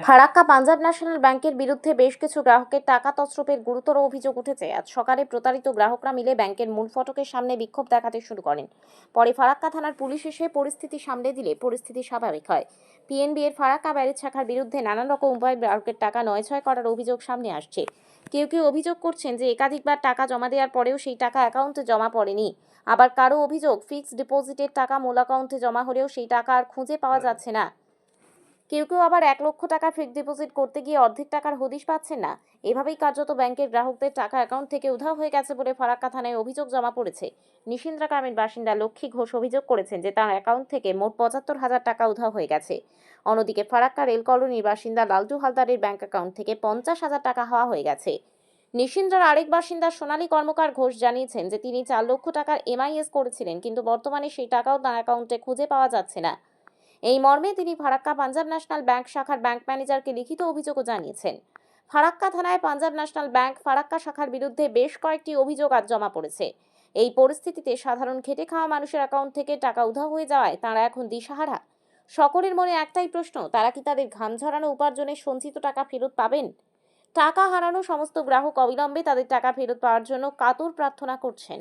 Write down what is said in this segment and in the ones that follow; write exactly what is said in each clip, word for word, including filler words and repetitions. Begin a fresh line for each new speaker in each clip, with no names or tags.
Farakka Punjab national ব্যাংকের বিরুদ্ধে বেশ কিছু গ্রাহকের টাকা তছরুপের গুরুতর অভিযোগ উঠেছে। আজ সকালে প্রতারিত গ্রাহকরা মিলে ব্যাংকের মূল ফটকের সামনে বিক্ষোভ দেখাতে শুরু করেন। পরে ফারাক্কা থানার পুলিশ এসে পরিস্থিতি সামলে দিলে পরিস্থিতি স্বাভাবিক হয়। পিএনবি এর ফারাক্কা ব্যারেজ শাখার বিরুদ্ধে নানান রকম উপায়ে গ্রাহকের টাকা নয়ছয় করার অভিযোগ সামনে আসছে। কেউ কেউ অভিযোগ করছেন যে একাধিকবার টাকা জমা দেওয়ার পরেও সেই টাকা অ্যাকাউন্টে জমা পড়েনি। আবার কারো অভিযোগ ফিক্সড ডিপোজিটের টাকা মূল অ্যাকাউন্টে জমা হলেও সেই টাকা আর খুঁজে পাওয়া যাচ্ছে না। কেউ কেউ আবার এক লক্ষ টাকা ফিক্সড ডিপোজিট করতে গিয়ে অর্ধেক টাকার হদিশ পাচ্ছেন না। এভাবেই কার্যত ব্যাংকের গ্রাহকদের টাকা অ্যাকাউন্ট থেকে উধাও হয়ে গেছে বলে ফারাক্কা থানায় অভিযোগ জমা পড়েছে। নিশিন্দ্রা গ্রামের বাসিন্দা লক্ষ্মী ঘোষ অভিযোগ করেছেন যে তার অ্যাকাউন্ট থেকে মোট পঁচাত্তর হাজার টাকা উধাও হয়ে গেছে। অন্যদিকে ফারাক্কা রেল কলোনির বাসিন্দা লালটু হালদারের ব্যাংক অ্যাকাউন্ট থেকে পঞ্চাশ হাজার টাকা হওয়া হয়ে গেছে। নিশিন্দ্রার আরেক বাসিন্দা সোনালী কর্মকার ঘোষ জানিয়েছেন যে তিনি চার লক্ষ টাকার এমআইএস করেছিলেন, কিন্তু বর্তমানে সেই টাকাও তার অ্যাকাউন্টে খুঁজে পাওয়া যাচ্ছে না। এই মর্মে তিনি ফারাক্কা পাঞ্জাব ন্যাশনাল ব্যাংক শাখার ব্যাংক ম্যানেজারকে লিখিত অভিযোগও জানিয়েছেন। ফারাক্কা থানায় পাঞ্জাব ন্যাশনাল ব্যাংক ফারাক্কা শাখার বিরুদ্ধে বেশ কয়েকটি অভিযোগ আজ জমা পড়েছে। এই পরিস্থিতিতে সাধারণ খেটে খাওয়া মানুষের অ্যাকাউন্ট থেকে টাকা উধাও হয়ে যাওয়ায় তাঁরা এখন দিশাহারা। সকলের মনে একটাই প্রশ্ন, তারা কি তাদের ঘাম ঝরানো উপার্জনের সঞ্চিত টাকা ফেরত পাবেন? টাকা হারানো সমস্ত গ্রাহক অবিলম্বে তাদের টাকা ফেরত পাওয়ার জন্য কাতর প্রার্থনা করছেন।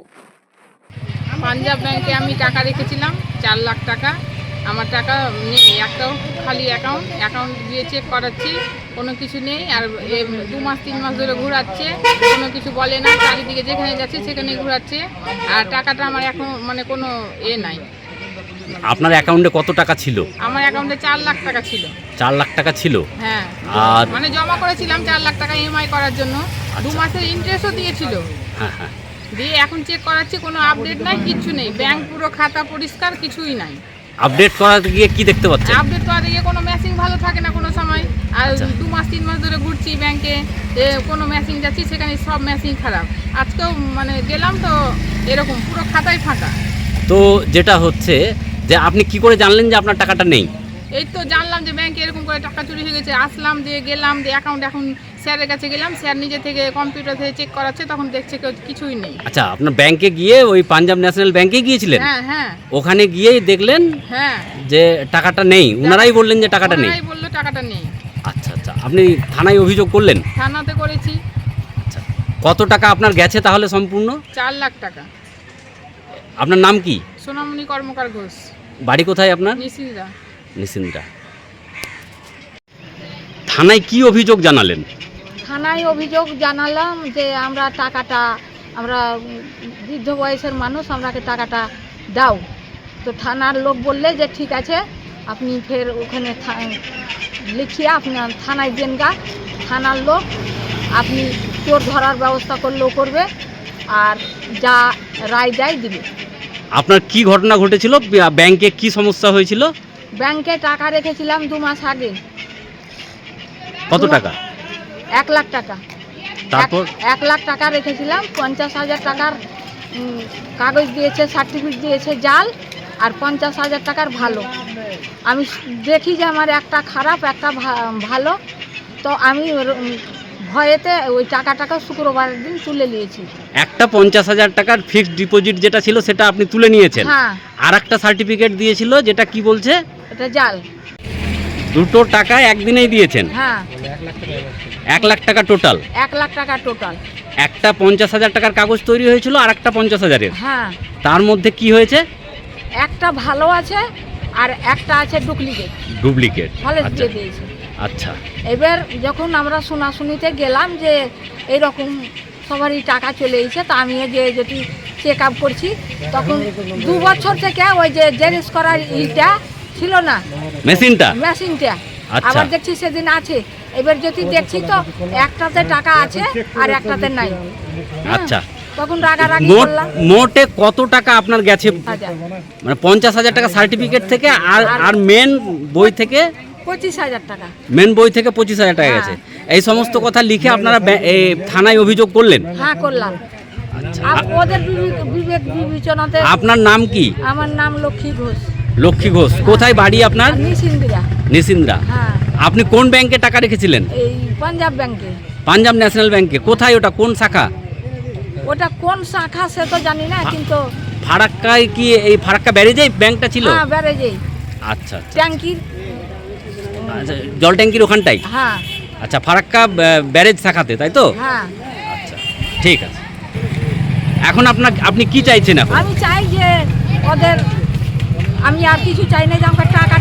পাঞ্জাব ব্যাংকে আমি টাকা রেখেছিলাম চার লাখ টাকা। আমার টাকা নেই, একটাও খালি অ্যাকাউন্ট অ্যাকাউন্ট দিয়ে চেক করাচ্ছি, কোনো কিছু নেই। আর দু মাস তিন মাস ধরে ঘোরাচ্ছে, কোনো কিছু বলে না, চারিদিকে যেখানে যাচ্ছে সেখানে ঘোরাচ্ছে। আর টাকাটা আমার এখন মানে কোনো এ নাই।
আপনার অ্যাকাউন্টে কত টাকা ছিল?
আমার অ্যাকাউন্টে চার লাখ টাকা ছিল।
চার লাখ টাকা ছিল?
হ্যাঁ,
আর
মানে জমা করেছিলাম চার লাখ টাকা ইএমআই করার জন্য। দু মাসের ইন্টারেস্টও দিয়েছিল।
হ্যাঁ হ্যাঁ
দিয়ে এখন চেক করাচ্ছি, কোনো আপডেট নাই, কিচ্ছু নেই। ব্যাংক পুরো খাতা পরিষ্কার, কিছুই নাই।
আপডেট করাতে গিয়ে কি দেখতে পাচ্ছেন?
আপডেট করাতে গিয়ে কোনো ম্যাচিং ভালো থাকে না কোনো সময়। আর দু মাস তিন মাস ধরে ঘুরছি ব্যাংকে, কোনো ম্যাচিং যাচ্ছি, সেখানে সব ম্যাচিং খারাপ। আজকেও মানে গেলাম তো এরকম পুরো খাতায় ফাঁকা।
তো যেটা হচ্ছে যে আপনি কি করে জানলেন যে আপনার টাকাটা নেই?
এই তো জানলাম যে ব্যাংকে এরকম করে টাকা চুরি হয়ে গেছে। আসলাম, দিয়ে গেলাম, দিয়ে অ্যাকাউন্ট এখন স্যারের কাছে গেলাম, স্যার নিজে থেকে কম্পিউটার থেকে চেক করাচ্ছে, তখন দেখছে কিছুই নেই।
আচ্ছা, আপনার ব্যাংকে গিয়ে ওই পাঞ্জাব ন্যাশনাল ব্যাংকে গিয়েছিলেন?
হ্যাঁ হ্যাঁ
ওখানে গিয়েই দেখলেন
হ্যাঁ
যে টাকাটা নেই? ওনারাই বললেন যে টাকাটা নেই?
ওনারাই বললো টাকাটা নেই।
আচ্ছা আচ্ছা, আপনি থানায় অভিযোগ করলেন?
থানাতে করেছি।
আচ্ছা, কত টাকা আপনার গেছে তাহলে সম্পূর্ণ?
চার লাখ টাকা।
আপনার নাম কি?
সোনামণি কর্মকার ঘোষ।
বাড়ি কোথায় আপনার?
নিশিন্দ্রা।
নিশিন্দ্রা। থানায় কি অভিযোগ জানালেন?
থানায় অভিযোগ জানালাম যে আমরা টাকাটা, আমরা বৃদ্ধ বয়সের মানুষ, আমরাকে টাকাটা দাও। তো থানার লোক বললে যে ঠিক আছে, আপনি ফের ওখানে লিখিয়ে আপনার থানায় দেন গা। থানার লোক আপনি চোর ধরার ব্যবস্থা করলেও করবে, আর যা রায় দেয় দিবে।
আপনার কি ঘটনা ঘটেছিল? ব্যাংকে কি সমস্যা হয়েছিল?
ব্যাংকে টাকা রেখেছিলাম দু মাস আগে।
কত টাকা?
এক লাখ টাকা।
তারপর
এক লাখ টাকা রেখেছিলাম, পঞ্চাশ হাজার টাকার কাগজ দিয়েছে, সার্টিফিকেট দিয়েছে জাল, আর পঞ্চাশ হাজার টাকার ভালো। আমি দেখি যে আমার একটা খারাপ একটা ভালো, তো আমি ভয়েতে ওই টাকাটাকে শুক্রবারের দিন তুলে নিয়েছি।
একটা পঞ্চাশ হাজার টাকার ফিক্সড ডিপোজিট যেটা ছিল সেটা আপনি তুলে নিয়েছেন?
হ্যাঁ।
আর একটা সার্টিফিকেট দিয়েছিল যেটা কি বলছে?
এটা জাল।
দুটো টাকা একদিনেই দিয়েছেন?
হ্যাঁ,
এক লাখ টাকা টোটাল?
এক লাখ টাকা টোটাল। একটা
পঞ্চাশ হাজার টাকার কাগজ তৈরি হয়েছিল আর একটা পঞ্চাশ হাজারের?
হ্যাঁ।
তার মধ্যে কি হয়েছে?
একটা ভালো আছে আর একটা আছে ডুপ্লিকেট।
ডুপ্লিকেট?
ফলে দিয়ে দিয়েছে।
আচ্ছা,
এবার যখন আমরা শোনাশুনিতে গেলাম যে এইরকম সবারই টাকা চলে এসেছে, তা আমিও যে যদি চেক আপ করছি, তখন দু বছর থেকে ওই যে জেরক্স করার ইটা ছিল না, মেশিনটা মেশিনটা আবার দেখছি সেদিন আছে। এবার যদি দেখছি তো একটাতে টাকা আছে আর একটাতে নাই।
আচ্ছা,
তখন রাগারাগি করলাম।
মোটে কত টাকা আপনার গেছে? মানে পঞ্চাশ হাজার টাকা সার্টিফিকেট থেকে আর আর মেন বই থেকে
পঁচিশ হাজার টাকা।
মেন বই থেকে পঁচিশ হাজার টাকা গেছে। এই সমস্ত কথা লিখে আপনারা থানায় অভিযোগ করলেন?
হ্যাঁ, করলাম। ওদের বিবেক বিবেচনাতে।
আপনার নাম কি?
আমার নাম লক্ষ্মী ঘোষ।
লক্ষ্মী ঘোষ। কোথায় বাড়ি আপনার?
নিশিন্দ্রা।
নিশিন্দ্রা।
হ্যাঁ।
আপনি কোন ব্যাংকে টাকা রেখেছিলেন?
এই পাঞ্জাব ব্যাংকে।
পাঞ্জাব ন্যাশনাল ব্যাংকে? কোথায় ওটা, কোন শাখা?
ওটা কোন শাখা সে তো জানি না, কিন্তু
ফারাক্কায় কি এই ফারাক্কা ব্যারেজেই ব্যাংকটা ছিল?
হ্যাঁ, ব্যারেজেই।
আচ্ছা,
ট্যাঙ্কির
আচ্ছা, জল ট্যাঙ্কির ওখানটাই?
হ্যাঁ
আচ্ছা, ফারাক্কা ব্যা- ব্যারেজ শাখাতে, তাই তো?
হ্যাঁ
আচ্ছা, ঠিক আছে। এখন আপনার আপনি কি চাইছেন এখন?
আমি চাই যে ওদের, আমি আর কিছু চাই না, যে আমাকে টাকা